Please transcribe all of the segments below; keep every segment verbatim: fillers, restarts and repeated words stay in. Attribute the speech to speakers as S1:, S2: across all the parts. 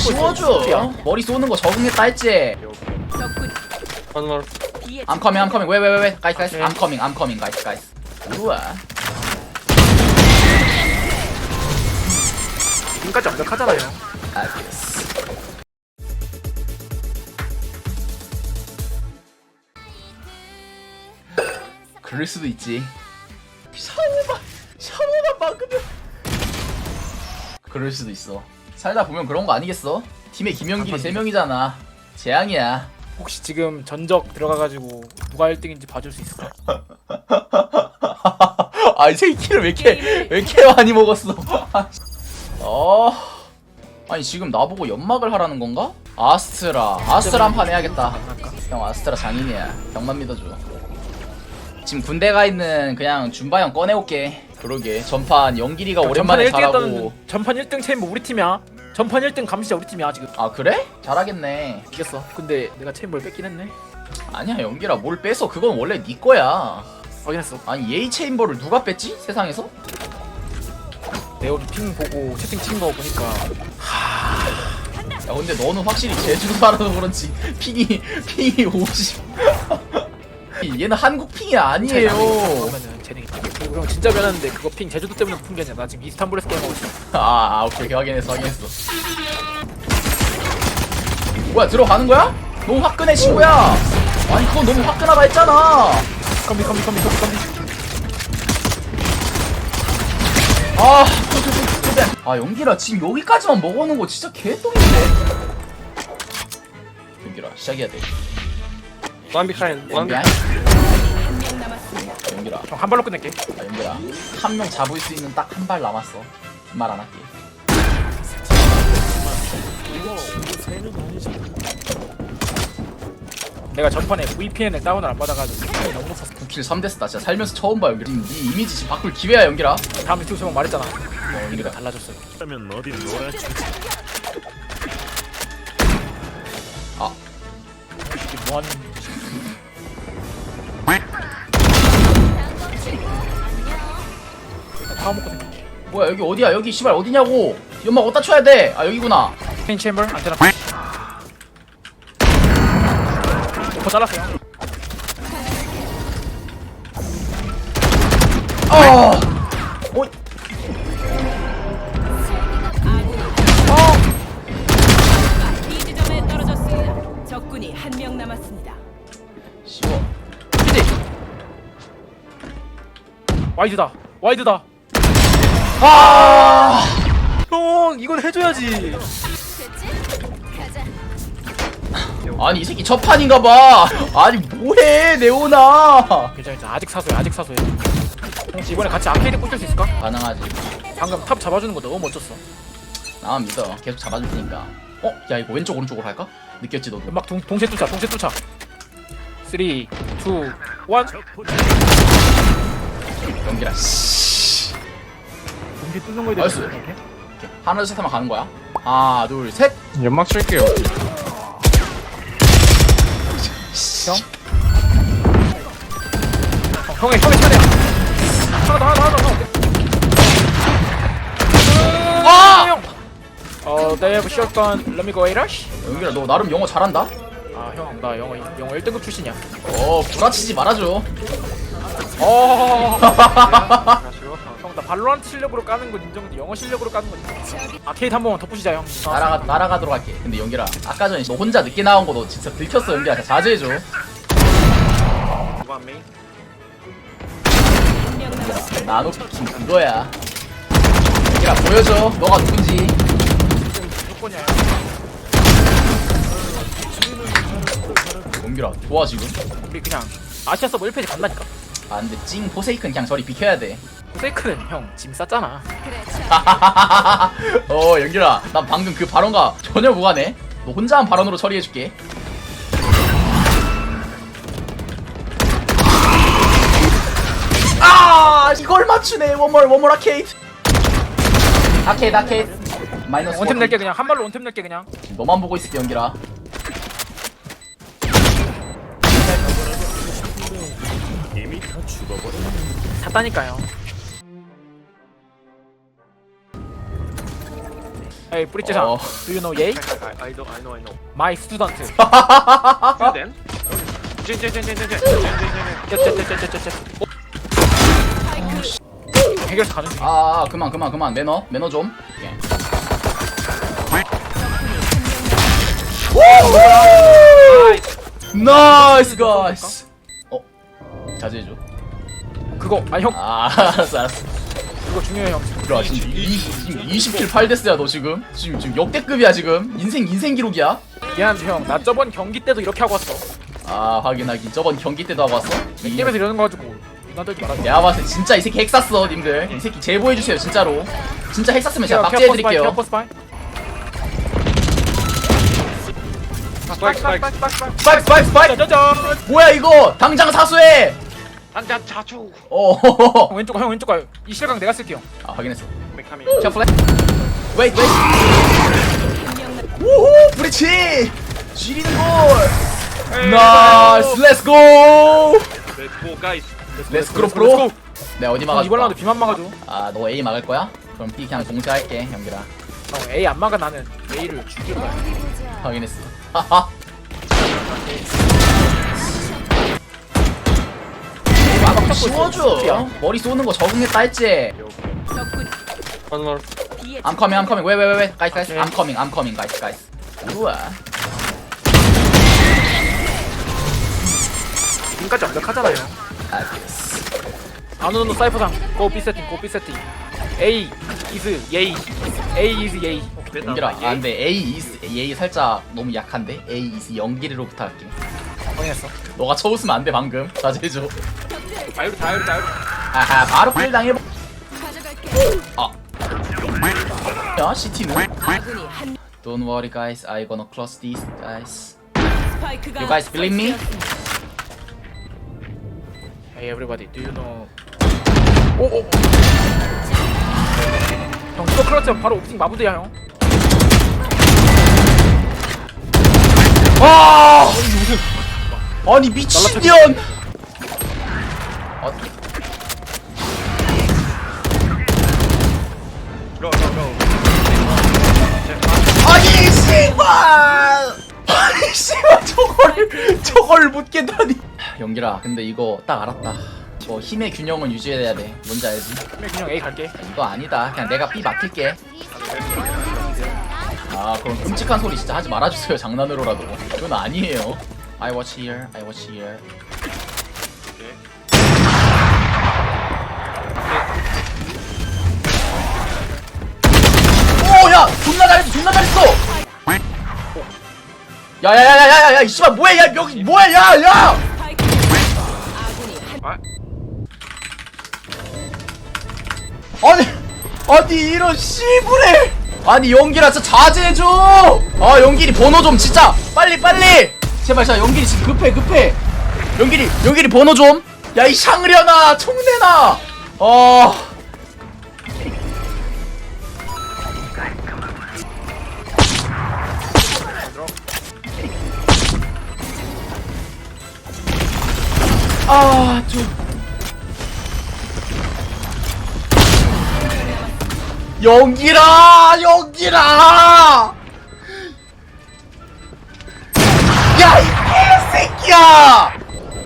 S1: 씌워줘. 머리 쏘는 거 적응했다 했지.
S2: One more.
S1: I'm coming, I'm coming. Wait, wait, wait, wait. Guys, guys. I'm coming, I'm coming, guys, guys. 우와.
S3: 지금까지 완벽하잖아요.
S1: 알겠어. 그럴 수도 있지. 샤워만, 샤워만 막으면. 그럴 수도 있어. 살다 보면 그런 거 아니겠어? 팀에 김영길이 세 명이잖아. 재앙이야.
S3: 혹시 지금 전적 들어가가지고 누가 일 등인지 봐줄 수 있을까?
S1: 아, 이 새끼를 왜 이렇게 왜 이렇게 많이 먹었어? 어, 아니 지금 나보고 연막을 하라는 건가? 아스트라, 아스트라 한 판 해야겠다. 형 아스트라 장인이야. 형만 믿어줘. 지금 군대 가 있는 그냥 준바형 꺼내올게. 그러게 전판 영길이가 오랜만에 잘하고.
S3: 전판 일 등 체인버 우리 팀이야. 전판 일 등 감시자 우리 팀이야 지금.
S1: 아 그래? 잘하겠네.
S3: 이겼어. 근데 내가 체인버를 뺏긴 했네.
S1: 아니야 영길아 뭘 뺏어. 그건 원래 네 거야.
S3: 확인했어.
S1: 아니 예이 체인버를 누가 뺐지? 세상에서?
S3: 내가 오늘 핑 보고 채팅 친 거 보니까
S1: 야 근데 너는 확실히 제주도 살아서 그런지 핑이 핑이 오십. 얘는 한국 핑이 아니에요.
S3: 그러면은 재능이. 그리고 형 진짜 변했는데 그거 핑 제주도 때문에 푼 게 아니야. 나 지금 이스탄불에서 게임하고 있어.
S1: 아, 아 오케이 오케이 확인했어 확인했어. 뭐야 들어가는 거야? 너무 화끈해 친구야. 아니 그건 너무 화끈하다 했잖아.
S3: 컴비 컴비 컴비 컴비 컴비.
S1: 아, 아 영길아 지금 여기까지만 먹어놓은 거 진짜 개똥인데. 영길아 시작해야 돼.
S2: One behind. One
S1: 영길아.
S2: behind.
S1: 영길아.
S3: 형 한 발로 끝낼게.
S1: 아 영길아 한 명 잡을 수 있는 딱 한 발 남았어. 말 안 할게.
S3: 내가 전판에 브이피엔을 다운을 안 받아가지고 핑이 너무 높았어.
S1: 구 킬 삼 데스 나 진짜 살면서 처음 봐 영길아. 네 이미지 지금 바꿀 기회야 영길아.
S3: 다음 유튜브 제목 말했잖아.
S1: 어,
S3: 우리가
S1: 영길아.
S3: 달라졌어요.
S4: 그러면 어디 놀아주지.
S1: 아
S3: 이게 뭐하는 다 먹고 생겨.
S1: 뭐야 여기 어디야 여기 씨발 어디냐고. 연막 어디다 쳐야 돼. 아 여기구나.
S3: 페인 챔버 안테나. 더 잘랐어요.
S1: 어. 어.
S5: B 지점에 떨어졌습니다. 적군이 한 명 남았습니다.
S1: 쉬워.
S3: 와이드다. 와이드다.
S1: 아.
S3: 형 이건 해줘야지.
S1: 아니 이 새끼 첫판인가봐. 아니 뭐해 네오나.
S3: 괜찮아 괜찮아. 아직 사소해 아직 사소해. 혹시 이번에 같이 아케이드 꽂을 수 있을까?
S1: 가능하지.
S3: 방금 탑 잡아주는 거 너무 멋졌어.
S1: 나만 믿어. 계속 잡아줄 테니까. 어? 야 이거 왼쪽 오른쪽으로 할까? 느꼈지 너도?
S3: 막 동, 동시에 뚫자 동시에 뚫자. 삼, 이, 일.
S1: 연기라. 씨.
S3: 동시에 뚫는 거에
S1: 나이스.
S3: 대해서
S1: 오케이. 하나 둘 셋 하면 가는 거야. 하나 둘 셋.
S2: 연막 칠게요.
S3: 형? 어, 형의 형의 차례야. 하나 더 하나 더 하나 더.
S1: 아!
S3: 형. 어, they have shotgun. Let me go Rush.
S1: 연기라 너 나름 영어 잘한다?
S3: 아, 형, 나 영어 영어 일 등급 출신이야.
S1: 어 구라치지 말아줘.
S3: 어. 형, 나 발로란트 실력으로 까는 건 인정인데 영어 실력으로 까는 건 인정. 아케이드 한 번만 덮으시자, 형.
S1: 날아가 날아가도록 할게. 근데 연기라 아까 전에 너 혼자 늦게 나온 거 너 진짜 들켰어 연기라. 자제해줘.
S2: One main.
S5: 한 명 남았습니다.
S1: 나노 피킹 그거야. 연기라 보여줘. 너가 누군지.
S3: 무조건이야.
S1: 연기라 좋아 지금.
S3: 우리 그냥 아시아 서버 일 페이지 간다니까.
S1: 아 근데 찡 포세이큰 그냥 저리 비켜야 돼.
S3: 페이크는 형 짐 쌌잖아.
S1: 어 연기라 난 방금 그 발언과 전혀 무관해. 너 혼자 한 발언으로 처리해줄게. 아 이걸 맞추네. 원몰 원몰 아케이드. 아케이드 아케이드 마이너스
S3: 원템 낼게 그냥 한 발로 원템 낼게 그냥.
S1: 너만 보고 있을게 연기라.
S4: 이미 다 죽어버려.
S3: 샀다니까요. Hey 뿌리째상
S1: 어.
S3: Do you know Ye?
S2: I, I, I know, I know, I know.
S3: My student
S2: Student? 젠, 젠, 젠, 젠, 젠, 젠, 젠, 젠, 젠.
S3: 쩌쩌쩌쩌쩌쩌 해결사 가는 중
S1: 아 그만 그만 그만 매너 매너 좀. 예. 나이스 가이스. 어 자제해줘.
S3: 그거 아니 형
S1: 아 알았어 알았어.
S3: 그거 중요해 형
S1: 들어와 지금 이십 킬 팔 데스야 너 지금. 지금 지금 역대급이야 지금. 인생 인생 기록이야.
S3: 미안한데 형 나 저번 경기 때도 이렇게 하고 왔어
S1: 아 하긴 하긴 저번 경기 때도 하고 왔어.
S3: 이 게임에서 이러는 거 가지고 나 떨지 말아
S1: 내가 봤을 때 진짜 이 새끼 핵 쐈어 님들. 이 새끼 제보해주세요 진짜로. 진짜 핵 쐈으면 제가
S3: 케어
S1: 박제해드릴게요.
S3: 포스 바이
S2: 스파이크, 스파이크.
S1: 스파이크 스파이크 스파이크.
S3: 짜잔
S1: 뭐야 이거 당장 사수해.
S2: 한자 자주.
S1: 어.
S3: 형 왼쪽 형 왼쪽 가요 이 실각 내가 쓸게요
S1: 아 확인했어.
S2: 메카미.
S1: 자 플랫. 웨이트 웨이트.
S5: 한명 남.
S1: 우후 브리치. 지리는 골. 나이스 렛츠 고.
S2: Let's go, guys.
S1: 렛츠 고 프로. 네 어디
S3: 형
S1: 막아줄까?
S3: 이번 라운드 B만 막아줘
S1: 아너 A 막을 거야? 그럼 B 그냥 공세할게 형들아.
S3: 형 A 안 막아 나는 A를 죽일 거야
S1: 확인했어. 하하. 막 씌워줘. 머리 쏘는 거 적응했다 했지.
S5: 적군이
S2: One more.
S5: B의
S1: I'm coming, I'm coming. Wait, wait, wait, wait. Guys, guys.
S3: Okay.
S1: I'm coming, I'm coming, guys, guys. 우와.
S3: 지금까지 완벽하잖아요
S1: 알겠어.
S3: 아누노 사이퍼상 고 B 세팅 고 B 세팅 A is Ye A is Ye
S1: 연기라. 아 근데 A is A 살짝 너무 약한데. A is 연기리로 부탁할게.
S3: 확인했어
S1: 너가 쳐웃으면 안 돼 방금. 자제해줘.
S3: 다이로 다이로 다이로
S1: 아하 바로 필 당해.
S5: 가져갈게.
S1: 아. 야 시티는.
S5: 아군이 한
S1: Don't worry, guys. I gonna close this, guys.
S5: 스파이크가
S1: You guys believe me?
S5: 설치되었습니다.
S3: Hey everybody do you know 오오 형 이거 클러치면 바로 옵팅 마무리야 형
S1: 아! 아니 미친년! 어,
S2: Go, go, go.
S1: 아니 씨발! 아니 씨발 저걸 저걸 못 깬다니. 연기라 근데 이거 딱 알았다. 저 힘의 균형은 유지해야 돼. 뭔지 알지?
S3: 그냥 A 갈게
S1: 이거 아니다. 그냥 내가 B 맡길게. 아 그럼 끔찍한 소리 진짜 하지 말아주세요. 장난으로라도. 이건 아니에요. I watch here. I watch here. 오야 존나 잘했어. 존나 잘했어. 야야야야야야 이 씨발 뭐야 야 여기 뭐야 야야.
S5: 스파이크 아군이 한
S1: 아니 아니 이런 씨부레. 아니 연기라 진짜 자제해줘. 아 연기리 번호 좀 진짜 빨리 빨리 제발. 자 연기리 지금 급해 급해. 연기리 연기리 번호 좀. 야 이 샹그려나 총내나. 어. 아 좀. 연기라 연기라. 야 이 개새끼야.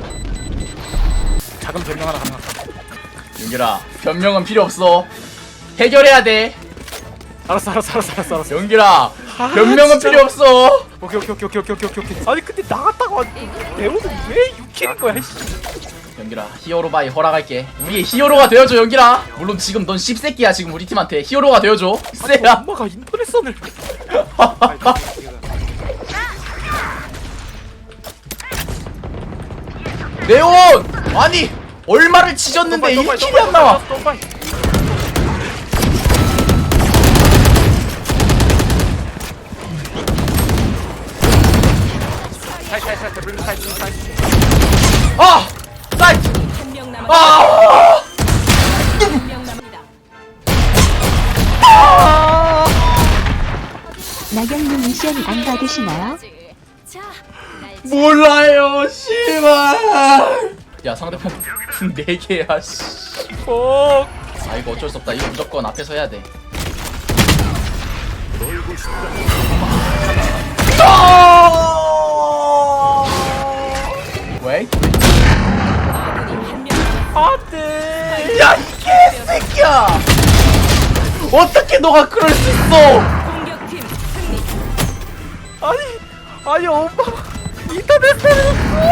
S3: 작은 변명 하나 가능할까
S1: 연기라 변명은 필요 없어. 해결해야 돼.
S3: 알았어 알았어 알았어 알았어 알았어
S1: 연기라 변명은
S3: 진짜.
S1: 필요 없어.
S3: 오케이 오케이 오케이 오케이 오케이 오케이 오케이 아니 근데 나갔다가 배우는 왜 육 킬인 거야 씨
S1: 연기라 히어로 바이 허락할게. 우리의 히어로가 되어줘 연기라. 물론 지금 넌 씹새끼야 지금 우리 팀한테. 히어로가 되어줘. 쎄야.
S3: 엄마가 인터넷선을
S1: 네온! 아니 얼마를 지졌는데 일 킬이 안 나와. 아! 사이트!
S5: 한명 남았
S1: 아!
S5: 한명 남았습니다.
S6: 나경님 미션 안 받으시나요?
S5: 자, 날
S1: 몰라요 씨발. 야 상대편 네 개야 씨.
S3: 어
S1: 아 이거 어쩔 수 없다. 이거 무조건 앞에서 해야 돼.
S4: 놀고 싶다.
S1: 왜?
S5: 아군이 한 명 남았습니다.
S3: 안돼.
S1: 야, 이 개새끼야! 어떻게 너가 그럴 수 있어!
S5: 공격팀 승리.
S3: 아니 아니 엄마 인터넷에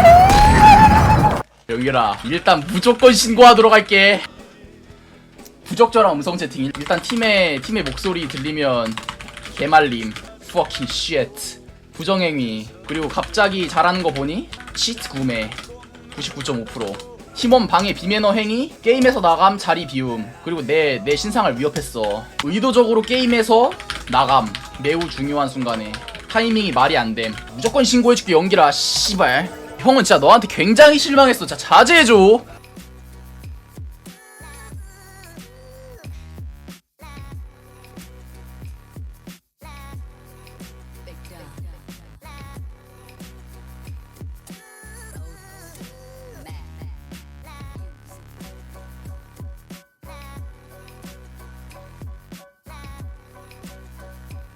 S1: 영일아, 일단 무조건 신고하도록 할게. 부적절한 음성 채팅. 일단 팀의 팀의 목소리 들리면 개말림. fucking shit. 부정행위. 그리고 갑자기 잘하는 거 보니 치트 구매. 구십구 점 오 퍼센트. 팀원 방해 비매너 행위, 게임에서 나감, 자리 비움. 그리고 내 내 신상을 위협했어. 의도적으로 게임에서 나감. 매우 중요한 순간에 타이밍이 말이 안 됨. 무조건 신고해줄게, 연기라. 씨발. 형은 진짜 너한테 굉장히 실망했어. 진짜 자제해줘.